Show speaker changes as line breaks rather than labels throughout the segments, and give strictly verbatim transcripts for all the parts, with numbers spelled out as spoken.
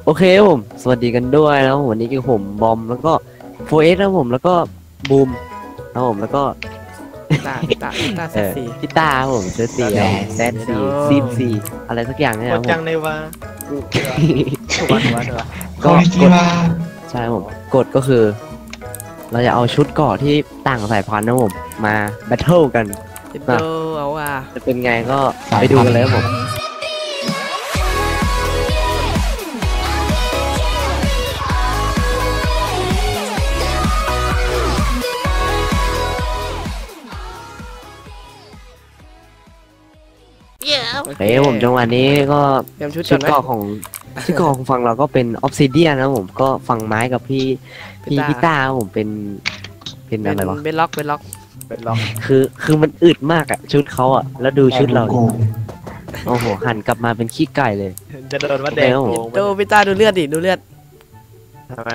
โอเคผมสวัสดีกันด้วยแล้ววันนี้คือผมบอมแล้วก็โฟเอสนะผมแล้วก็บูมนะผมแล้วก็
ตาตาตาเซ
เออ
ซี
พี่ตาผมเซอร์สี่แซดสี่ซีซีอะไรสักอย่างเนี่ย
ก
นะ
ด
ผม
จังในว่าถูกวันถูกวันถูกวัน
ก็กดใช่ผมกดก็คือ เราจะเอาชุดเกราะที่ต่างสายพันธุ์นะผมมาแบทเทิลกัน
เจ็ดโดเอาว่ะ
จะเป็นไงก็ไปดูกันเลยครับผมเฮ้ยผมจังหวะนี้ก็
เตรียมชุด
ชุ
ก่อ
ด
นไหม
เกราะของชุดเกราะของฝั่งเราก็เป็นออฟซิเดียนะผมก็ฝั่งไม้กับพี่พี่
พี่
พี่
ต้า
ต้าผมเป็นเป็น
เป็
อะไร
น
วะ
เป็นล็อกเป็นล็อก
เป็นล็อก
คือคือมันอึดมากอะชุดเขาอะแล้วดูชุดเราดิโอ้โหหันกลับมาเป็นขี้ไก่เลย
จะโดนว่าแดง
โอเค
โกง
โดพี่ตาดูเลือดดิดูเลือด
ทำไม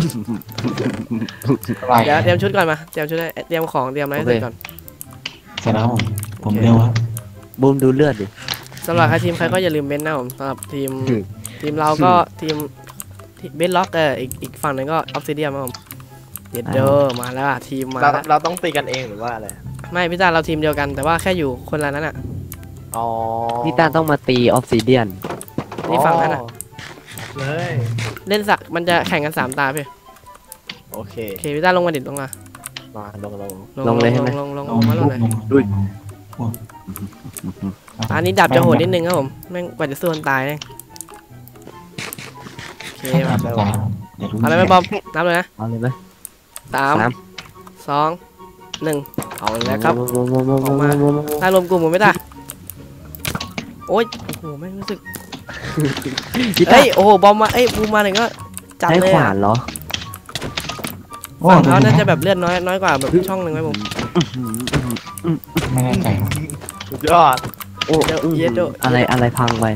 เดี๋ยวเตรียมชุดก่อนมาเตรียมชุดให้เตรียมของเตรียมอะไรให้เสร็จก่อน
เสร็จแล้วผมผมเร็วครับ
บูมดูเลือดดิ
สำหรับใครทีมใครก็อย่าลืมเบนนะผมสำหรับทีม
อืม
ทีมเราก็ทีมเบนล็อกเอออีกอีกฝั่งหนึงก็ออฟซิเดียมครับผมเจ็ดโดมาแล้วอะทีมมา
เรา
แล้ว
เราต้องตีกันเองหรือว่าอะไร
ไม่พี่ตาเราทีมเดียวกันแต่ว่าแค่อยู่คนละนั้นอ่ะ
อ๋อ
พี่ต้าต้องมาตีออฟซิเดียน
นี่ฝั่งนั้นอ่ะ
เลย
เล่นสักมันจะแข่งกันสามตาพี่
โอเค
โอเคพี่ตาลงมาดิลงมา
มาลงลง
ลงเลยใช่ไหม
ลงลงลงลงมาลงเลย
ดุย
อันนี้ดับจะโหดนิดนึงครับผมแม่งกว่าจะสู้คนตายเนี่ยโอเคมา เอาเลยไหมบอมนับเลยนะ
เอาเลยไหม
สาม
สาม
สองหนึ่งเอาเลยครับ
โมโมโมโมโมโมโม
ถ้ารวมกลุ่มผมไม่ได้โอ้ยโอ้โหไม่รู้สึก
พี่ต้า
เอ้ยโอ้โหบอมมาเอ้ยบูมมาหนึ่งก็จัด
ใช้
เลย
ขวา
อะ
นเหรอ
ฝั่งเขาน่าจะแบบเลือดน้อยน้อยกว่าแบบช่องหนึ่งไหมผม
ไม่แน่ใจ
สุดยอด
โอ้
เดี๋ยว
อื้อ
เย็ดโด
อะไรอะไรพังไป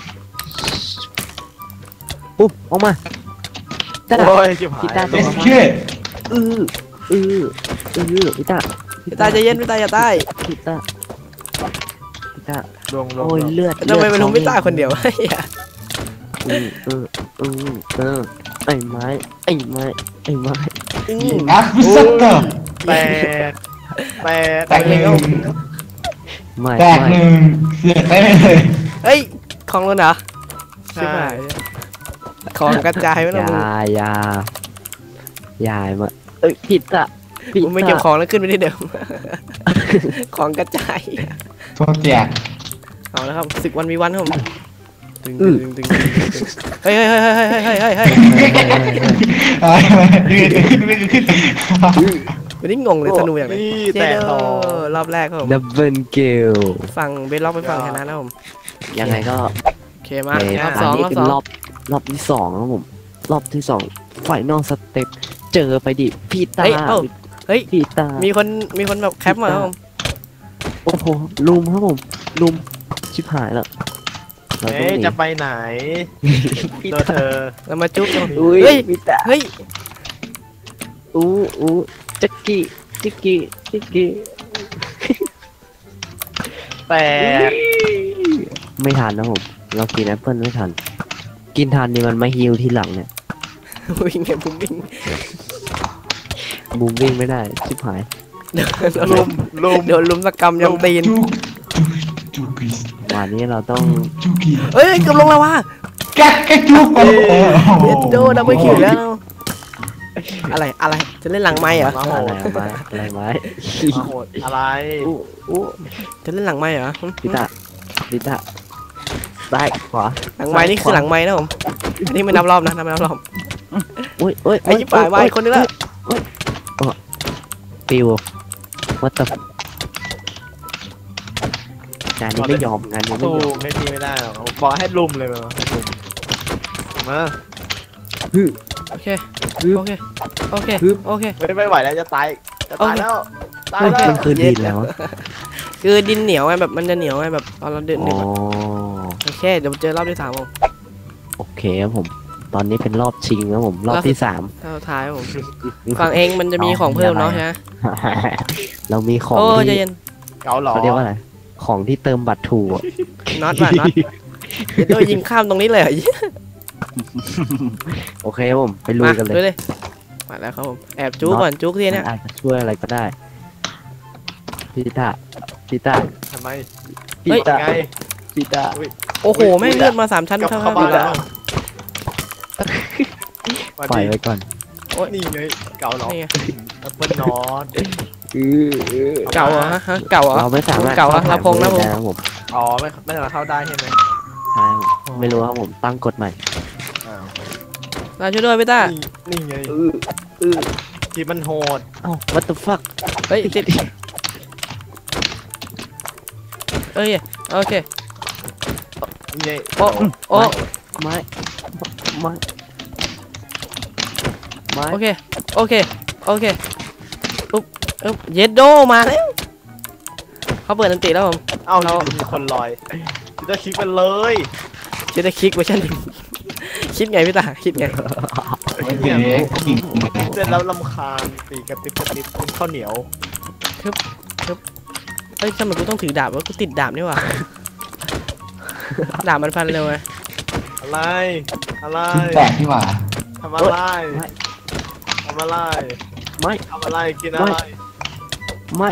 ปุ๊บออกมาต้า
โอ้ยจิ๋วหาย
พี่ตา
เอสเค
อืออืออือพี่ต้า
พี่ตาใจเย็นพี่ตาอย่าใต้
พี่ต้าพี่ต้า
ลงลง
โอ้ยเลือด
ทำไมเป็นลุงพี่ตาคนเดียว
อือเอออือเออไอ้ไม้ไอ้ไม้ไอ้ไม้
อืม
อ่ะคุณสัตเตอร์
แตกแตก
แตกหนึ่ง
ไม่
แตกห
ไม่
นึ่งเสียได้เลย
เฮ้ยของเราเหรอใช่ไหมของกระจายไม่
อ
ต้อง
ย่า
มึง
อย่าอย่ามาเอ้ยผิดอะผิด
มึงไม่เก็บของแล้วขึ้นไปที่เดิม ของกระจาย
โทษแจก
เอาแล้วครับศึกวันวีวันครับผมตึงตึงตึงตึงตึงเฮ้ยเฮ้ยเฮ้ยเฮ้ยเฮ้ยเฮ้ยเฮ้ยเฮ้ย
อะไรมาดึงขึ้นดึงขึ้น
วันนี้งงเลยธนูอย่างไร
นี่
เจ
แตก
โด
ต่อ
รอบแรกครับผม
ดับเบิลเกล
ฝั่งเบสล็อกไปฝั่งชนะนะผม
ยังไงก็
โอเคมา
ใน
รอบ
ต
ส
อน
อง
นี้
รอบ
คือ
สอง
รอบรอบที่สองครับผมรอบที่สองไฟนอลสเต็ปเจอไปดิพี่ตา
เฮ้ยเอ้าเฮ้ย
พี่ตา
มีคนมีคนแบบแคปมาครับผม
โอ้โหลุมครับผมลุมชิบหายแล้วเราต้อง
เอ๊ะ
หนี
จะไปไหน
พี่
ตัว
ตา
เธอ
เรามาจุ๊บกัน
อุ้ย
เฮ้ย
พี่ตา
เฮ้ย
อู้อู้จักกี้จักกี้จักกี้
แตก
ไม่ทันนะผมเรากินแอปเปิลไม่ทัน กินทันนี่มันมาฮิวทีหลังเนี่ย
วิ่งไงผมวิ่ง
บูมวิ่งไม่ได้ชิบหาย
โดน
ลุ
ลุ
ม
ม
ลุม
โดนลุมสกรรมยำตีน
จุกจุกจุก
วันนี้เราต้อง
จุกกี้
เฮ้ยเกือบลงแล้วว่ะ
แก๊กแก๊กจุก
เอ็ดโดดับเบิลคิวแล้วอะไรอะไรจะเล่นหลังไม้เหรอ
มาโห
อะไร
ด
ไม้อะไรไม้
มาโหดอะไร
อู้อู้
จะเล่นหลังไม้เหรอ
พิตาพิตาซ้ายขวา
หลังไม้นี่คือหลังไม้นะผมอันนี้ไม่นับรอบนะนับไม่นับรอบ
อุ้ยอุ้ย
ไอ้ยี่ป่ายไม้คนนึงละ
ปิววัตถุงานนี้ไม่ยอมงานนี้ไม่
สู้
ยอม
ไม่พี่ไม่ได้หรอกบอกให้ลุมเลยมาให้ลุมมา
โอเคโอเคโอเคโอเค
ไม่ไม่ไหวแล้วจะตายจะตายแล้วตาย
เฮ้ย
แล้ว
มันคือดินแล้ว
คือดินเหนียวไงแบบมันจะเหนียวไงแบบตอนเราเดิน
อ๋
เดิ
อน
โอเคเดี๋ยวเจอรอบที่สามผม
โอเคครับผม ตอนนี้เป็นรอบชิงแล้วผมรอบที่สาม
รอบท้ายผมฝั่งเองมันจะมีของเพิ่มเนาะใช่ไหม
เรามีของ
โอ้ใจ
ที่
เย็น
เกาหลอ
เขาเรียกว่าอะไรของที่เติมบัตรถูกอะ
น็อตว่ะน็อตเดี๋ยวโดนยิงข้ามตรงนี้เลยเหรอ
โอเคครับผมไปลุยกันเลย
มาเลยมาแล้วครับผมแอบจุกก่อนจุกที
มั
เนี้ย
นอาจจะช่วยอะไรก็ได้พี่ตาพี่ตา
ทำไม
พี่ตา
ไง
พี่ตา
โอ้โหแม่งเลือดมาสามชั้น
กลับ
เท่า
เข้า
ๆ
บ้าน
แล้
แล้ว วมา
ปล่อย
ดิ
ไว้ก่อน
นี่ไงเก่าหรอ
นี่ไง
แอปเปิลนอต
เก่าเหรอฮะฮะเก่าเหรอ
เราไม่สามารถ
เก่าอะ
ข้
ลำโพงนะผม
ได้ครับผม
อ๋อไม่ไม่สามารถเข้าได้ใช่ไหม
ใช่ครับผมไม่รู้ครับผมตั้งกฎใหม่
อ้าว
มาช่วยด้วยพี่ต้า
นี่นี่ไงที่มันโหด
เอ้า what the fuck
เฮ้ยติดเอ้ยโอเค
นี่ไง
โอ้โอ้
ไม่ไม่ไม่
โอเคโอเคโอเคอุ๊บอุ๊บเยดโดมาแล้วเขาเปิดอันติแล้วผม
เอ้า
เรา
มีคนลอยจะคลิกมันเลย
จะได้คลิกเวอร์ชันหนึ่งคิดไงพี่ตาคิดไง
เดี๋ยวนี้กิ่ง
เสร็จแล้วลำคาญตีกระติบกระติบเป็นข้าวเหนียว
เฮ้ยทำไมกูต้องถือดาบวะกูติดดาบนี่หว่าดาบมันฟันเร็วไง
อะไรอะไร
ชิ้นแตกที่หว่า
ทำอะไรทำอะไร
ไม่
ทำอะไรกินอะไร
ไม่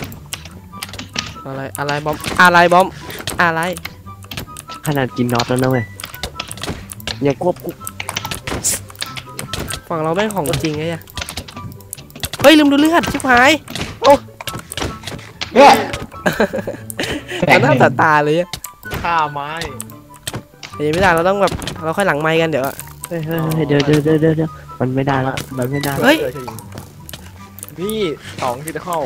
อะไรอะไรบอมอะไรบอมอะไร
ขนาดกินน็อตแล้วนะเว้ยยังควบคุม
ฝั่งเราแม่งของจริงไงอะเฮ้ยลืมดูเลือดชิบหาย
เนี่ยแต
ต่อก หน้า
ห
ต่อ
นึ่ง
ตาเลยอะ
ฆ่าไม้
เดี๋ยวไม่ได้เราต้องแบบเราค่อยหลังไม้กันเดี๋ยวอะ
เฮ้ยเฮ้ยเฮ้ยเดี๋ยวเดี๋ยวเดี๋ยวเดี๋ยวเดี๋ยวมันไม่ได้แล้วมันไม่ได้แล้ว
เฮ้ย
นี่สองที่จะเข้า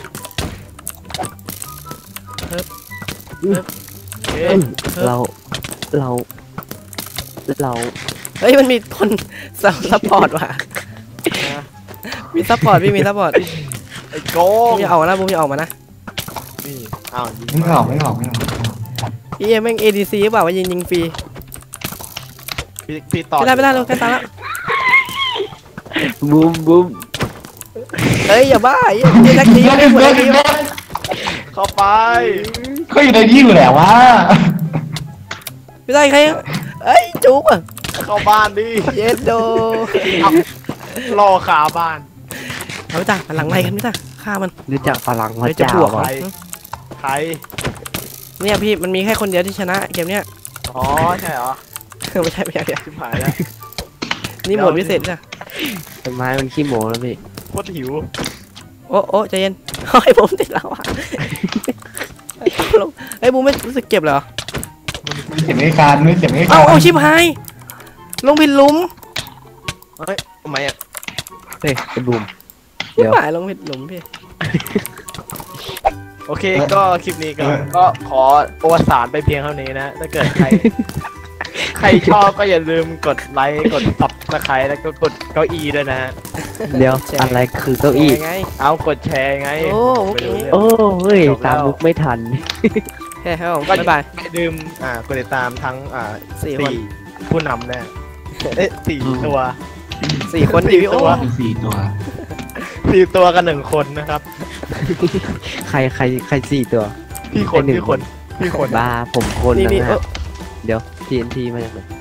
เอ๊ะ
เอ้ยเราเราเรา
เฮ้ยมันมีคนซัพซัพพอร์ตว่ะมีซัพพอร์ตพี่มีซัพพอร์ต
ไอ้โก
บู
ง
มอย่าออกมานะบูมอย่าออกมานะ
นี่อ้าวยิง
ไม่ออกไม่ออกไม่ออก
พี่เอ็มแม่ง เอ ดี ซี หรือเปล่าว่ายิงยิงฟรี
พี่พี่ต่อ
ไม่ได้ไม่ได้เราใกล้ตายแล้ว
บูมบูม
เฮ้ยอย่าบ้าอย่าอย่าทักที
เดี๋ยว
ไม่
เดี๋ยว
หมด
เดี๋ยว
ที
เดี๋ยว
เข้าไป
เขาอยู่ในนี้อยู่แล้ววะ
ไม่ได้ใครเอ้ยจุ๊บอ่ะ
เข้าบ้านดิ
เยดโด
เอารอขาบ้าน
เอาไปจ้าหลังไม้กันพี่จ้าฆ่ามัน
รู้จักพลังพระ
เดี๋ยวจะ
เจ้า
บวก
ป่ะ
ใครใคร
เนี่ยพี่มันมีแค่คนเดียวที่ชนะเกมเนี้ย
อ๋อใช่เหรอ
ไม่ใช่ไม่ใช่ไม่ใช่
ชิบหายแล้ว
นี่โหมดพิเศษจ้ะ
ต้นไม้มันขี้โม้แล้วพี่
โคตรหิว
โอ้โอ้ใจเย็นเฮ้ยผมติดแล้วอ่ะเฮ้ยบูมไม่รู้สึกเจ็บเหรอ
เสียงไม่การไม่เสียงไม่
เอา
การ
เอาชิบหายลงผิดหลุม
เฮ้ยทำไมอ่ะ
เฮ้ยไอ้บูม
ชิบหายลงผิดหลุมพี่
โอเคก็คลิปนี้ก็ก็ขอโอวสารไปเพียงเท่านี้นะถ้าเกิดใคร ใครชอบก็อย่าลืมกดไลค์กดซับสไครต์แล้วก็กดเก้าอี้ด้วยนะฮะ
เดี๋ยวอะไรคือเก้าอี้
ไง
เอากดแชร์ไง
โอ้โอเค
โอ้เฮ้ยตามมุกไม่ทัน
แค่ครับผม
ก็
บ๊ายบาย
อย่าลืมอ่ากดติดตามทั้งอ่า
สี่คน
สี่ผู้นำแน่เอ๊ะสี่ตัว
สี่คน
สี่
ดีโอ
ตัว
มีสี่ตัว
สี่ตัวกันหนึ่งคนนะครับ
ใครใครใครสี่ตัว
พี่คน
ไอ้หนึ่ง
พี่คนพี่คน
บ้าผมคน
นี่
นะ
นี่
ฮะ
เออ
เดี๋ยว ที เอ็น ที มาจากไหน